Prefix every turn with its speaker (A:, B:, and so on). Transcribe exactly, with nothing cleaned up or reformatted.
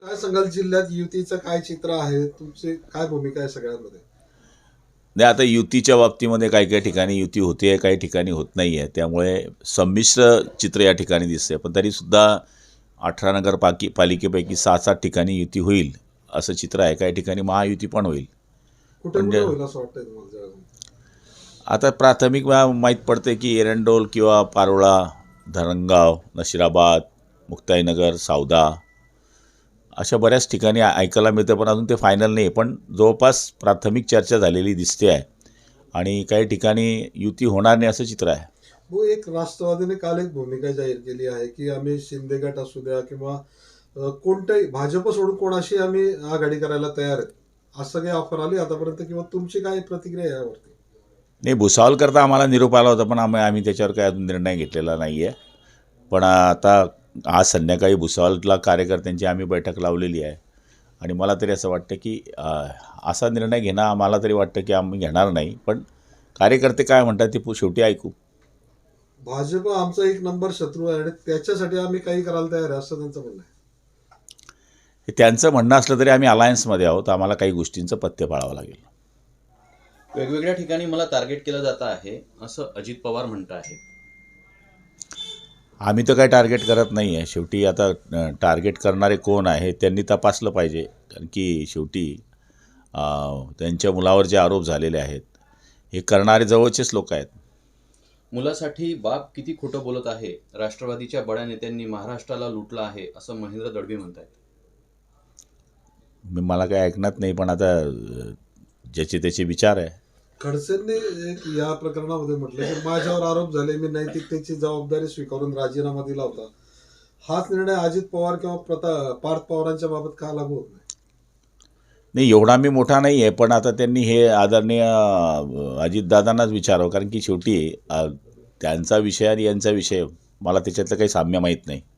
A: काय सांगाल जिल्ह्यात युतीचं काय चित्र आहे, तुमची काय भूमिका आहे सगळ्यांमध्ये?
B: नाही, आता युतीच्या बाबतीमध्ये काही काही ठिकाणी युती होते आहे, काही ठिकाणी होत नाही आहे. त्यामुळे संमिश्र चित्र या ठिकाणी दिसते. पण तरीसुद्धा अठरा नगर पाकी पालिकेपैकी सात सात ठिकाणी युती होईल असं चित्र आहे. काही ठिकाणी महायुती पण होईल.
A: कुठे
B: पण
A: कुठे
B: जे-
A: होईल असं वाटतंय तुम्हाला जळगाव?
B: आता प्राथमिक मा- माहीत पडते की एरंडोल किंवा पारोळा, धरणगाव, नशिराबाद, मुक्ताईनगर, सावदा अशा बऱ्याच ठिकाणी ऐ- ऐकायला मिळतं. पण अजून ते फायनल नाही आहे. पण जवळपास प्राथमिक चर्चा झालेली दिसते आहे. आणि काही ठिकाणी युती होणार नाही असं चित्र आहे.
A: हो, एक राष्ट्रवादीने काल एक भूमिका जाहीर केली आहे की आम्ही शिंदे गट असू द्या किंवा अ, कोणत्याही भाजप सोडून कोणाशी आम्ही आघाडी करायला तयार आहेत, असं काही ऑफर आली आतापर्यंत, किंवा तुमची काय प्रतिक्रिया आहे यावरती?
B: नाही, भुसावळ करता आम्हाला निरोप आला होता, पण आम्ही आम्ही त्याच्यावर काही अजून निर्णय घेतलेला नाही आहे. पण आता आज संध्याकाळी भुसावळला कार्यकर्त्यांची आम्ही बैठक लावलेली आहे. आणि मला तरी असं वाटतं की अ, असा निर्णय घेणं आम्हाला तरी वाटतं की आम्ही घेणार नाही. पण कार्यकर्ते काय म्हणतात ते पु- शेवटी ऐकू.
A: भाजप आमचा एक नंबर शत्रू आहे आणि त्याच्यासाठी आम्ही काही करायला तयार आहे, असं त्यांचं म्हणणं आहे.
B: हे त्यांचं म्हणणं असलं तरी आम्ही अलायन्समध्ये आहोत. आम्हाला काही गोष्टींचं पथ्य पाळावं लागेल.
C: वेगवेगळ्या ठिकाणी मला टार्गेट केलं जात आहे असं अजित पवार म्हणत आहे.
B: आम्ही तर काही टार्गेट करत नाही आहे. शेवटी आता अ, टार्गेट करणारे कोण आहे त्यांनी तपासलं पाहिजे. कारण की शेवटी अ, त्यांच्या मुलावर जे आरोप झालेले आहेत हे करणारे जवळचेच लोक आहेत.
C: मुलासाठी बाप किती खोटं बोलत आहे, राष्ट्रवादीच्या बड्या नेत्यांनी महाराष्ट्राला लुटलं आहे असं महेंद्र दळवी म्हणतात.
B: मी मला काही ऐकण्यात नाही, पण आता अ, ज्याचे त्याचे विचार आहे.
A: खडसेंनी एक या प्रकरणामध्ये म्हटलं की माझ्यावर आरोप झाले, मी नैतिकतेची जबाबदारी स्वीकारून राजीनामा दिला होता. हाच निर्णय अजित पवार किंवा प्रता पार्थ पवारांच्या बाबत का लागू होत नाही?
B: नाही, एवढा मी मोठा नाही आहे, पण आता त्यांनी हे आदरणीय अ, अजितदादांनाच विचारावं. कारण की शेवटी अ, त्यांचा विषय आणि यांचा विषय मला त्याच्यातलं काही साम्य माहीत नाही.